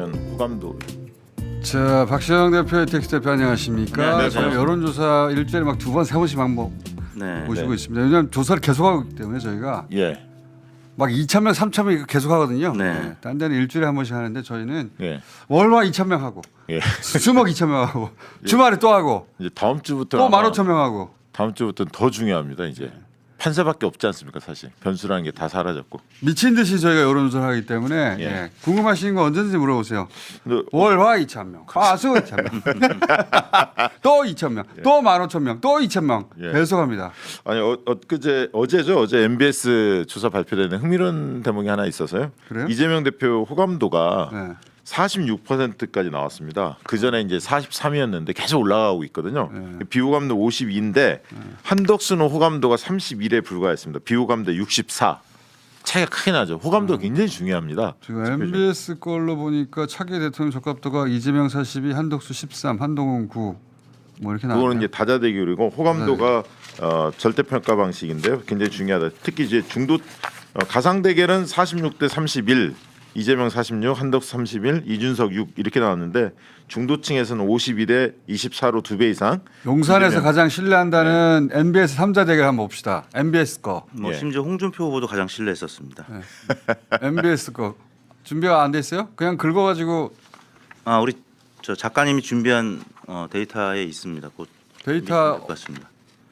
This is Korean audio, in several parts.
과연 호감도. 자, 박시영 대표, 텍스 대표 안녕하십니까? 네, 저희 여론조사 일주일에 막 두 번, 세 번씩 막 모시고 네. 있습니다. 왜냐하면 조사를 계속하고 있기 때문에 저희가 예. 막 2,000명, 3,000명 계속하거든요. 네. 딴 데는 일주일에 한 번씩 하는데 저희는 예. 월화 2,000명 하고 예. 수목 2,000명 하고 주말에 또 하고 이제 다음 주부터 또 15,000명 하고 다음 주부터는 더 중요합니다. 이제 판세밖에 없지 않습니까? 사실 변수라는 게 다 사라졌고. 미친 듯이 저희가 여론조사를 하기 때문에 예. 예. 궁금하신 거 언제든지 물어보세요. 근데 월화 2,000명, 화수 2,000명, 또 2,000명, 또 15,000명, 또 2,000명 예. 계속합니다. 아니 어제죠. 어제 MBS 조사 발표되는 흥미로운 대목이 하나 있어서요. 그래요? 이재명 대표 호감도가 네. 46%까지 나왔습니다. 그 전에 이제 43이었는데 계속 올라가고 있거든요. 네. 비호감도 52인데 한덕수는 호감도가 31에 불과했습니다. 비호감도 64. 차이가 크게 나죠. 호감도 굉장히 중요합니다. 지금 MBS 걸로 보니까 차기 대통령 적합도가 이재명 42, 한덕수 13, 한동훈 9. 뭐 이렇게 나와요. 그거는 이제 다자대결이고 호감도가 절대평가 방식인데요. 굉장히 중요하다. 특히 이제 중도 가상 대결은 46대 31, 이재명 46, 한덕수 31, 이준석 6 이렇게 나왔는데 중도층에서는 52대 24로 2배 이상. 용산에서 이재명. 가장 신뢰한다는 MBS 3자 대결 한번 봅시다. MBS 거. 뭐 예. 심지어 홍준표 후보도 가장 신뢰했었습니다. MBS 거. 준비가 안 돼 있어요? 그냥 긁어가지고 아 우리 저 작가님이 준비한 데이터에 있습니다. 곧 데이터 것 같습니다.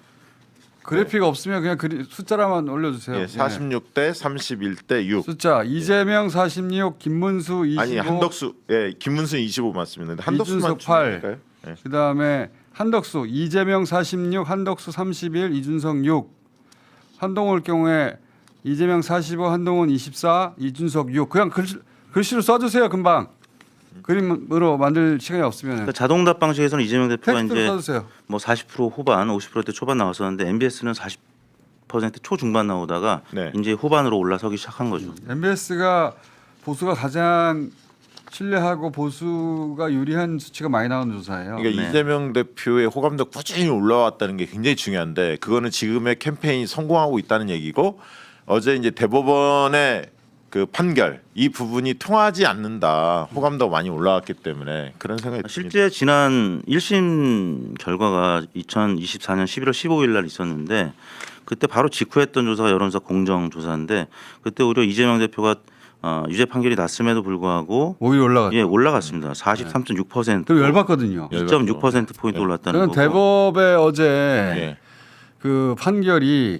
그래픽 없으면 그냥 숫자라만 올려주세요. 예, 예. 46대 31대 6. 숫자 이재명 46, 김문수 25, 아니 한덕수 김문수 25 맞습니다. 근데 한덕수만 이준석 8. 줄까요? 예. 그다음에 한덕수 이재명 46, 한덕수 31, 이준석 6. 한동훈 경우에 이재명 45, 한동훈 24, 이준석 6. 그냥 글씨로 써주세요. 금방 그림으로 만들 시간이 없으면 그러니까 자동답 방식에서는 이재명 대표가 텍스트로 이제 써주세요. 뭐 40% 후반, 50%대 초반 나왔었는데 MBS는 40% 초중반 나오다가 네. 이제 후반으로 올라서기 시작한 거죠. MBS가 보수가 가장 신뢰하고 보수가 유리한 수치가 많이 나오는 조사예요. 그러니까 네. 이재명 대표의 호감도 꾸준히 올라왔다는 게 굉장히 중요한데 그거는 지금의 캠페인이 성공하고 있다는 얘기고 어제 이제 대법원의 그 판결 이 부분이 통하지 않는다. 호감도가 많이 올라왔기 때문에 그런 생각이 듭니다. 실제 지난 1심 결과가 2024년 11월 15일 날 있었는데 그때 바로 직후했던 조사가 여론조사 공정조사인데 그때 오히려 이재명 대표가 유죄 판결이 났음에도 불구하고 오히려 올라갔죠. 예 올라갔습니다. 43.6%. 그 열받거든요. 2.6% 포인트 올랐다는 저는 거고. 대법의 어제 예. 그 판결이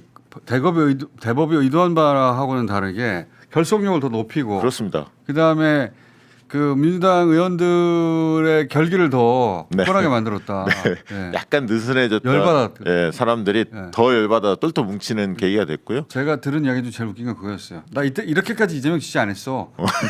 대법이 의도한 바하고는 다르게 결속력을 더 높이고 그렇습니다. 그다음에 그 민주당 의원들의 결기를 더 네. 뻔하게 만들었다. 예. 약간 느슨해졌던 열받았- 예, 사람들이 예. 더 열받아 똘똘 뭉치는 계기가 됐고요. 제가 들은 이야기 중 제일 웃긴 건 그거였어요. 나 이때 이렇게까지 이재명 지지 안 했어.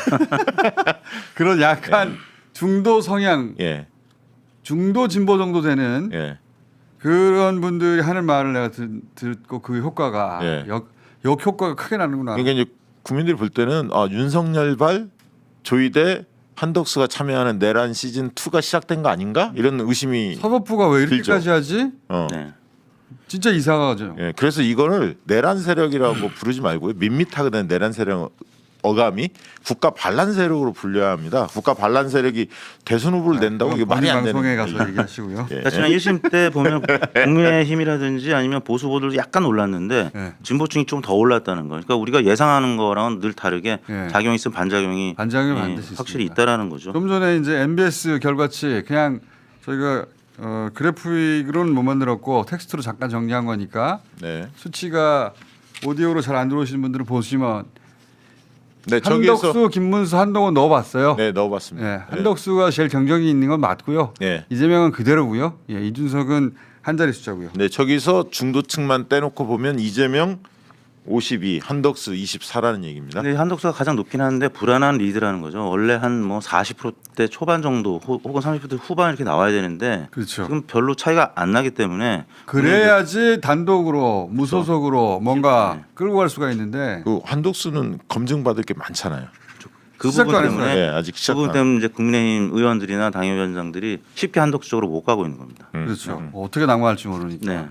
그런 약간 중도 성향, 예. 중도 진보 정도 되는 예. 그런 분들이 하는 말을 내가 듣고 그 효과가 예. 역 효과가 크게 나는구나. 그러니까 이제 국민들이 볼 때는 윤석열발 조이대 한덕수가 참여하는 내란 시즌 2가 시작된 거 아닌가? 이런 의심이 사법부가 왜 이렇게까지 들죠. 하지? 네. 진짜 이상하죠. 예, 그래서 이거를 내란 세력이라고 부르지 말고요. 밋밋하게 된 내란 세력 어감이 국가 반란 세력으로 불려야 합니다. 국가 반란 세력이 대선 후보를 낸다고 이게 말이 안 되는 방송에 거예요. 가서 얘기하시고요. 예. 그러니까 지난 1심 때 보면 국민의힘이라든지 아니면 보수 후보들도 약간 올랐는데 예. 진보층이 좀 더 올랐다는 거. 그러니까 우리가 예상하는 거랑은 늘 다르게 예. 작용이 있으면 반작용이 반작용이 예, 반드시 확실히 있습니다. 있다라는 거죠. 좀 전에 이제 MBS 결과치 그냥 저희가 그래픽으로는 못 만들었고 텍스트로 잠깐 정리한 거니까 네. 수치가 오디오로 잘 안 들어오시는 분들은 보시면 네, 한덕수, 저기에서 김문수, 한동훈 넣어봤어요. 네, 넣어봤습니다. 예, 한덕수가 제일 경쟁이 있는 건 맞고요. 네. 이재명은 그대로고요. 예, 이준석은 한 자리 숫자고요. 네, 저기서 중도층만 떼놓고 보면 이재명 52, 한덕수 24라는 얘기입니다. 근데 한덕수가 가장 높긴 한데 불안한 리드라는 거죠. 원래 한 뭐 40%대 초반 정도 혹은 30% 후반 이렇게 나와야 되는데 그렇죠. 지금 별로 차이가 안 나기 때문에 그래야지 단독으로 무소속으로 뭔가 네. 끌고 갈 수가 있는데 그 한덕수는 검증받을 게 많잖아요. 그 시작도 부분 안 때문에 했어요. 네, 아직 그 시작도 부분 안 때문에 이제 국민의힘 의원들이나 당협위원장들이 쉽게 한덕수 쪽으로 못 가고 있는 겁니다. 그렇죠. 어떻게 낙마할지 모르니까. 네.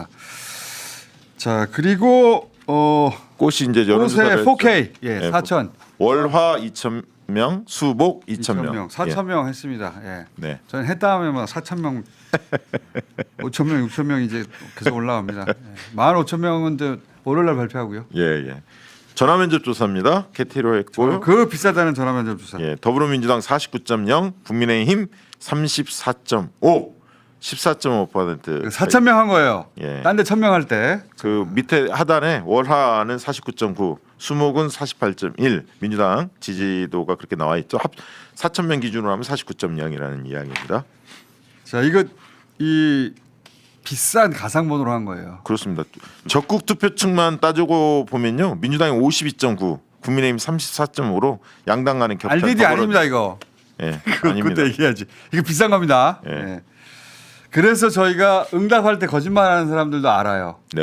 자 그리고 꽃이 이제 꽃의 여론조사를 4K 네, 4천 월화 2천 명, 수복 2,000명. 4,000명 했습니다. 예. 네. 저는 했다 하면 4,000명, 5,000명, 6,000명 이제 계속 올라갑니다. 예. 15,000명은 이제 월요일날 발표하고요. 예, 예. 전화면접 조사입니다. 캐티로 했고요. 그 비싸다는 전화면접 조사. 예, 더불어민주당 49.0, 국민의힘 34.5, 14.5%. 4,000명 한 거예요. 예. 딴 데 1,000명 할 때. 그 밑에 하단에 월하는 49.9, 수목은 48.1. 민주당 지지도가 그렇게 나와 있죠. 4,000명 기준으로 하면 49.0이라는 이야기입니다. 자, 이거 이 비싼 가상번호로 한 거예요. 그렇습니다. 적국 투표층만 따지고 보면요, 민주당이 52.9, 국민의힘 34.5로 양당 간의 격차. RDD 아닙니다 이거. 예, 그거 아닙니다. 그때 얘기하지. 이거 비싼 겁니다. 예. 예. 그래서 저희가 응답할 때 거짓말하는 사람들도 알아요. 네,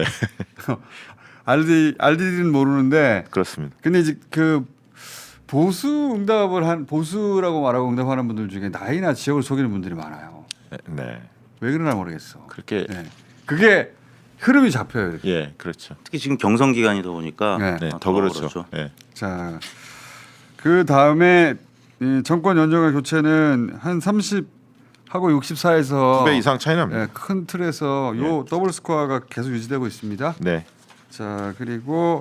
RDD는 모르는데. 그렇습니다. 근데 이제 그 보수 응답을 한 보수라고 말하고 응답하는 분들 중에 나이나 지역을 속이는 분들이 많아요. 네, 왜 그러나 모르겠어. 그렇게 예. 그게 흐름이 잡혀요. 이렇게. 예, 그렇죠. 특히 지금 경선 기간이다 보니까 네. 네, 아, 더 그렇죠. 예. 자, 그 다음에 정권 연정과 교체는 한 30하고 64에서 2배 이상 차이 납니다. 예, 큰 틀에서 요 더블 스코어가 계속 유지되고 있습니다. 네, 자, 그리고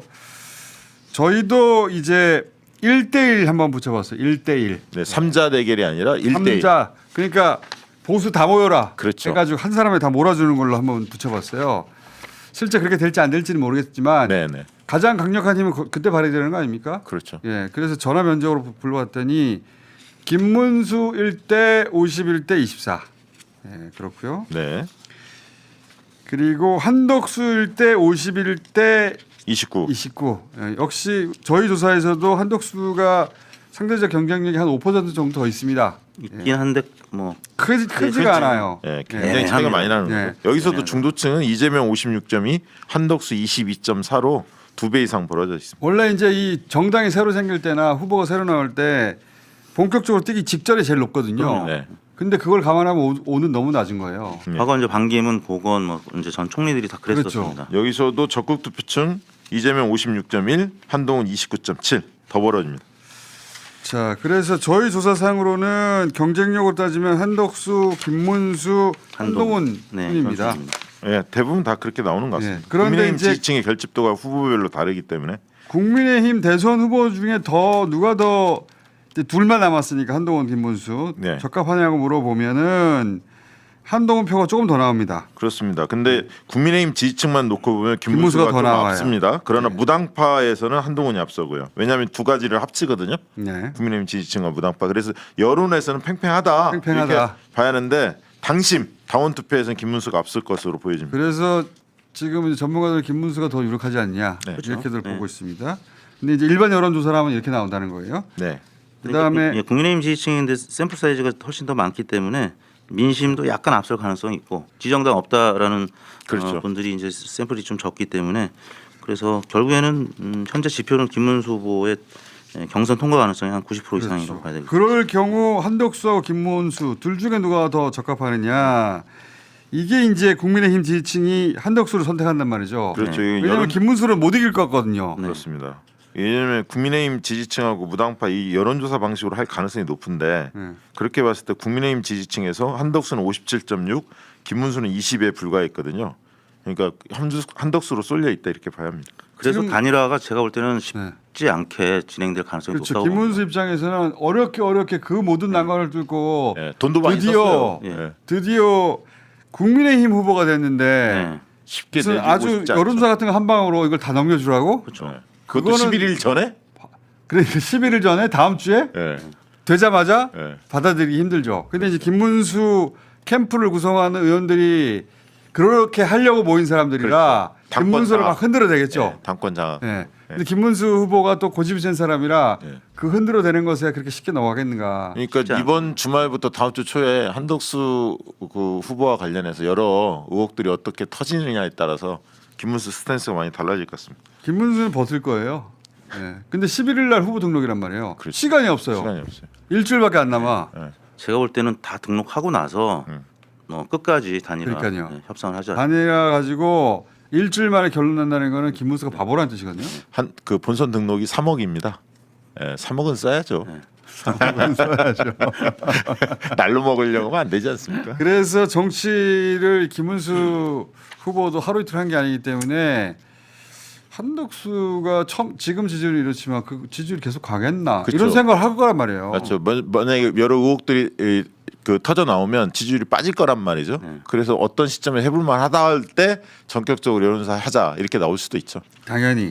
저희도 이제 1대1 한번 붙여봤어요. 1대1. 네, 3자 대결이 아니라 1대1. 3자. 그러니까 보수 다 모여라. 그렇죠. 해가지고 한 사람에 다 몰아주는 걸로 한번 붙여봤어요. 실제 그렇게 될지 안 될지는 모르겠지만 네, 네, 가장 강력한 힘은 그때 발휘되는 거 아닙니까? 그렇죠. 예, 그래서 전화 면접으로 불러왔더니 김문수 1대 51대 24. 예, 그렇고요. 네, 그리고 한덕수 1대 51대 29. 29. 예, 역시 저희 조사에서도 한덕수가 상대적 경쟁력이 한 5% 정도 더 있습니다. 있긴 한데 뭐 크지가 않아요. 예, 굉장히 예, 차이가 많이 나는 예. 거고. 여기서도 예. 중도층은 이재명 56.2, 한덕수 22.4로 2배 이상 벌어져 있습니다. 원래 이제 이 정당이 새로 생길 때나 후보가 새로 나올 때 본격적으로 뛰기 직전에 제일 높거든요. 네. 근데 그걸 감안하면 오는 너무 낮은 거예요. 네. 과거 이제 반기문, 고건 뭐 이제 전 총리들이 다 그랬었습니다. 여기서도 적극 투표층 이재명 56.1, 한동훈 29.7 더 벌어집니다. 자, 그래서 저희 조사상으로는 경쟁력으로 따지면 한덕수, 김문수, 한동훈 네, 뿐입니다. 그렇습니다. 예, 대부분 다 그렇게 나오는 것 같습니다. 예, 그런데 국민의힘 이제 지지층의 결집도가 후보별로 다르기 때문에 국민의힘 대선 후보 중에 더 누가 더 이제 둘만 남았으니까 한동훈, 김문수 네. 적합하냐고 물어보면은 한동훈 표가 조금 더 나옵니다. 그렇습니다. 근데 국민의힘 지지층만 놓고 보면 김문수가 김문수가 더 좀 나와요. 앞섭니다. 그러나 네. 무당파에서는 한동훈이 앞서고요. 왜냐하면 두 가지를 합치거든요. 네. 국민의힘 지지층과 무당파. 그래서 여론에서는 팽팽하다. 팽팽하다. 이렇게 봐야 하는데 당심 당원 투표에서는 김문수가 앞설 것으로 보여집니다. 그래서 지금 이제 전문가들 김문수가 더 유력하지 않냐 네. 이렇게들 네. 보고 있습니다. 근데 이제 일반 여론조사를 하면 이렇게 나온다는 거예요. 네. 그다음에 예, 국민의힘 지지층인데 샘플 사이즈가 훨씬 더 많기 때문에 민심도 약간 앞설 가능성이 있고 지정당 없다라는 그렇죠. 분들이 이제 샘플이 좀 적기 때문에 그래서 결국에는 현재 지표는 김문수 후보의 경선 통과 가능성이 한 90% 이상이라고 봐야 되겠죠. 그럴 경우 한덕수하고 김문수 둘 중에 누가 더 적합하느냐 이게 이제 국민의힘 지지층이 한덕수를 선택한단 말이죠. 그렇죠. 네. 왜냐하면 여론 김문수를 못 이길 것 같거든요. 그렇습니다. 왜냐하면 국민의힘 지지층하고 무당파 이 여론조사 방식으로 할 가능성이 높은데 네. 그렇게 봤을 때 국민의힘 지지층에서 한덕수는 57.6, 김문수는 20에 불과했거든요. 그러니까 한덕수로 쏠려 있다 이렇게 봐야 합니다. 그래서 지금- 단일화가 제가 볼 때는 네. 쉽지 않게 진행될 가능성이 그렇죠. 높다고 김문수 봅니다. 입장에서는 어렵게 그 모든 난관을 뚫고 예, 돈도 많이 드디어 썼어요. 예. 예. 드디어 국민의힘 후보가 됐는데 네. 쉽게 무슨 내주고 아주 싶지 않죠. 여론조사 같은 거 한 방으로 이걸 다 넘겨주라고? 그렇죠. 예. 그것도 그거는- 11일 전에? 그러니까 11일 전에 다음 주에 예. 되자마자 예. 받아들이기 힘들죠. 근데 이제 김문수 캠프를 구성하는 의원들이 그렇게 하려고 모인 사람들이라 그렇죠. 김문수를 당권 막 흔들어 대겠죠. 예, 당권 장악. 예. 근데 김문수 후보가 또 고집이 센 사람이라 예. 그 흔들어 대는 것에 그렇게 쉽게 넘어가겠는가. 그러니까 쉽지 이번 주말부터 다음 주 초에 한덕수 그 후보와 관련해서 여러 의혹들이 어떻게 터지느냐에 따라서 김문수 스탠스가 많이 달라질 것 같습니다. 김문수는 벗을 거예요. 예. 근데 11일 날 후보 등록이란 말이에요. 그렇죠. 시간이 없어요. 시간이 없어요. 일주일밖에 안 남아. 예. 제가 볼 때는 다 등록하고 나서 끝까지 단일화 그러니까요. 협상을 하자. 단일화 가지고 일주일 만에 결론 난다는 거는 김문수가 바보라는 뜻이거든요. 한 그 본선 등록이 3억입니다. 예, 3억은 써야죠. 상황은 써야죠. 날로 먹으려고 하면 안 되지 않습니까? 그래서 정치를 김문수 후보도 하루 이틀 한 게 아니기 때문에 한덕수가 지금 지지율이 이렇지만 그 지지율이 계속 가겠나 그쵸. 이런 생각을 할 거란 말이에요. 맞죠. 만약에 여러 의혹들이 그 터져 나오면 지지율이 빠질 거란 말이죠. 그래서 어떤 시점에 해볼 만하다 할 때 전격적으로 여론조사 하자 이렇게 나올 수도 있죠. 당연히.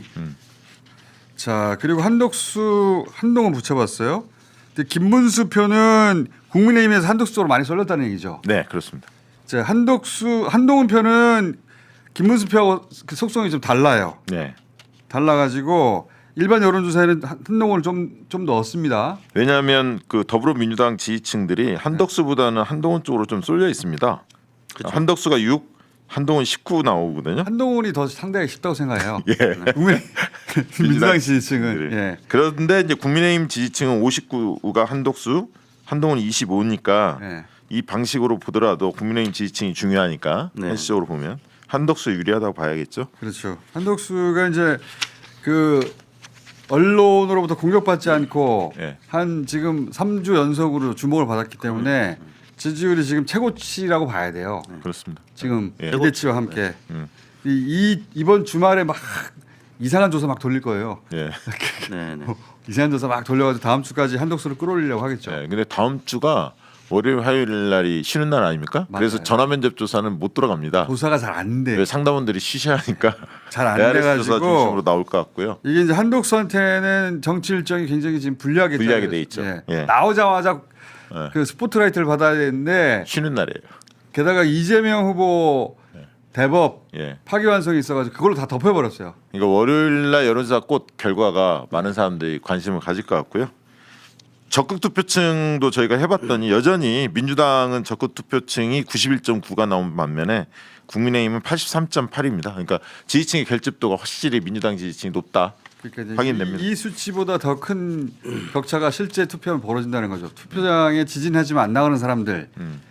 자 그리고 한동훈 붙여봤어요. 근데 김문수 표는 국민의힘에서 한덕수 쪽으로 많이 쏠렸다는 얘기죠. 네, 그렇습니다. 자 한동훈 표는 김문수 표하고 그 속성이 좀 달라요. 네. 달라가지고 일반 여론조사에는 한동훈을 좀 넣었습니다. 왜냐하면 그 더불어민주당 지지층들이 한덕수보다는 한동훈 쪽으로 좀 쏠려 있습니다. 그쵸. 한덕수가 6, 한동훈 19 나오거든요. 한동훈이 더 상대하기 쉽다고 생각해요. 예. 민주당 지지층은. 네. 예. 그런데 이제 국민의힘 지지층은 59가 한덕수, 한동훈이 25니까 예. 이 방식으로 보더라도 국민의힘 지지층이 중요하니까 네. 현실적으로 보면 한덕수 유리하다고 봐야겠죠. 그렇죠. 한덕수가 이제 그 언론으로부터 공격받지 않고 예. 한 지금 3주 연속으로 주목을 받았기 때문에 지지율이 지금 최고치라고 봐야 돼요. 그렇습니다. 지금 예. 기대치와 함께 음. 이번 주말에 막 이상한 조사 막 돌릴 거예요. 예. 네, 네. 이상한 조사 막 돌려가지고 다음 주까지 한덕수를 끌어올리려고 하겠죠. 예. 근데 다음 주가 월요일 화요일 날이 쉬는 날 아닙니까? 맞아요. 그래서 전화 면접 조사는 못 들어갑니다. 조사가 잘 안 돼. 왜 상담원들이 쉬셔야 하니까 잘 안 ARS 조사 돼가지고 중심으로 나올 것 같고요. 이게 이제 한덕수한테는 정치 일정이 굉장히 지금 불리하게 돼 있죠. 예. 나오자마자 예. 그 스포트라이트를 받아야 되는데 쉬는 날이에요. 게다가 이재명 후보 대법 예. 파기환송이 있어가지고 그걸로 다 덮여버렸어요. 그러니까 월요일 날 여론조사 꽃 결과가 많은 사람들이 관심을 가질 것 같고요. 적극 투표층도 저희가 해봤더니 여전히 민주당은 적극 투표층이 91.9가 나온 반면에 국민의힘은 83.8입니다. 그러니까 지지층의 결집도가 확실히 민주당 지지층이 높다. 그러니까 이제 확인됩니다. 이 수치보다 더 큰 격차가 실제 투표하면 벌어진다는 거죠. 투표장에 지진하지만 안 나가는 사람들.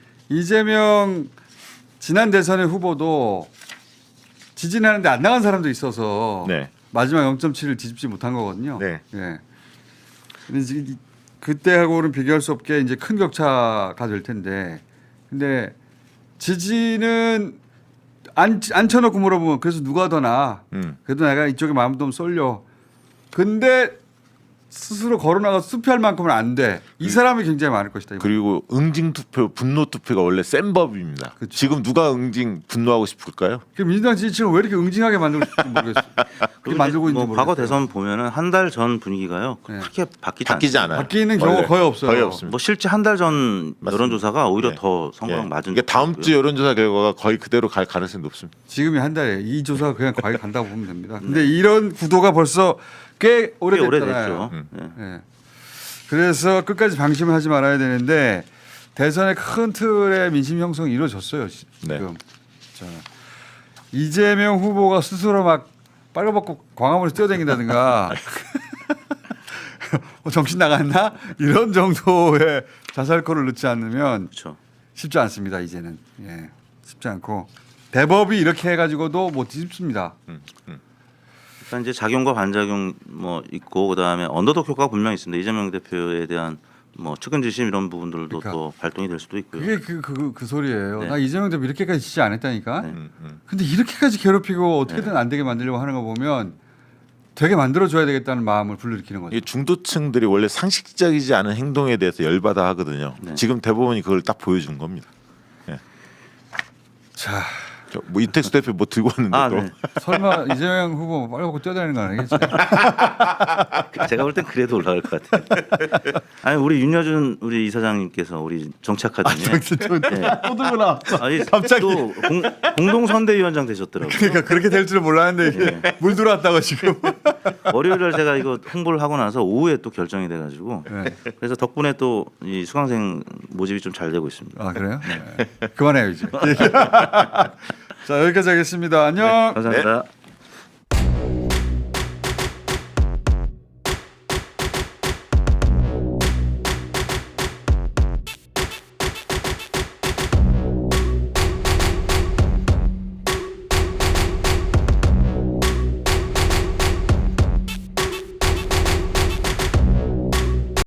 이재명 지난 대선의 후보도 지진하는데 안 나간 사람도 있어서 네. 마지막 0.7을 뒤집지 못한 거거든요. 네. 예. 근데 이제 그때하고는 비교할 수 없게 이제 큰 격차가 될 텐데, 근데 지지는 안 쳐놓고 물어보면 그래서 누가 더 나아? 그래도 내가 이쪽에 마음 좀 쏠려. 근데 스스로 걸어나가서 투표할 만큼은 안 돼. 이 사람이 굉장히 많을 것이다. 그리고 응징 투표, 분노 투표가 원래 센 법입니다. 그쵸. 지금 누가 응징 분노하고 싶을까요? 그 민주당 지지층을 왜 이렇게 응징하게 만들고 있는지 모르겠어요. 그렇게 만들고 있는지 모르겠어요. 과거 대선 보면은 한 달 전 분위기가요. 네. 그렇게 바뀌지 바뀌지 않습니다. 않아요. 바뀌는 경우가 원래 거의 없어요. 거의 없습니다. 뭐 실제 한 달 전 맞습니다. 여론조사가 오히려 예. 더 선거랑 예. 맞은. 이게 다음 적도 주 있고요. 여론조사 결과가 거의 그대로 갈 가능성이 높습니다. 지금이 한 달이에요. 이 조사가 그냥 과연 간다고 보면 됩니다. 근데 이런 구도가 벌써 꽤 꽤 오래됐잖아요. 오래됐죠. 예. 예. 그래서 끝까지 방심을 하지 말아야 되는데 대선의 큰 틀의 민심 형성이 이루어졌어요. 네. 지금. 자, 이재명 후보가 스스로 막 빨가벗고 광화문에서 뛰어다닌다든가 정신 나갔나? 이런 정도의 자살골을 넣지 않으면 그렇죠. 쉽지 않습니다. 이제는. 예. 쉽지 않고 대법이 이렇게 해가지고도 못 뒤집습니다. 일단 이제 작용과 반작용 뭐 있고 그다음에 언더독 효과가 분명히 있습니다. 이재명 대표에 대한 뭐 측은지심 이런 부분들도 그러니까. 또 발동이 될 수도 있고요. 그게 그 소리예요. 네. 나 이재명 대표 이렇게까지 지지 안 했다니까. 네. 근데 이렇게까지 괴롭히고 어떻게든 안 되게 만들려고 하는 거 보면 되게 만들어줘야 되겠다는 마음을 불러일으키는 거죠. 이 중도층들이 원래 상식적이지 않은 행동에 대해서 열받아 하거든요. 네. 지금 대법원이 그걸 딱 보여준 겁니다. 자, 뭐 이택수 대표 뭐 들고 왔는데 아, 또 네. 설마 이재명 후보 빨리 먹고 뛰어다니는 거 아니겠지? 제가 볼 땐 그래도 올라갈 것 같아요. 아니 우리 윤여준 우리 이사장님께서 우리 정치아카데미에 네. 또 들고 나. 아니, 갑자기. 또 공동선대위원장 되셨더라고요. 그러니까 그렇게 될 줄은 몰랐는데 이게 물 들어왔다고 지금. 월요일날 제가 이거 홍보를 하고 나서 오후에 또 결정이 돼가지고 네. 그래서 덕분에 또 이 수강생 모집이 좀 잘 되고 있습니다. 아 그래요? 네. 그만해요 이제. 자 여기까지 하겠습니다. 안녕. 감사합니다.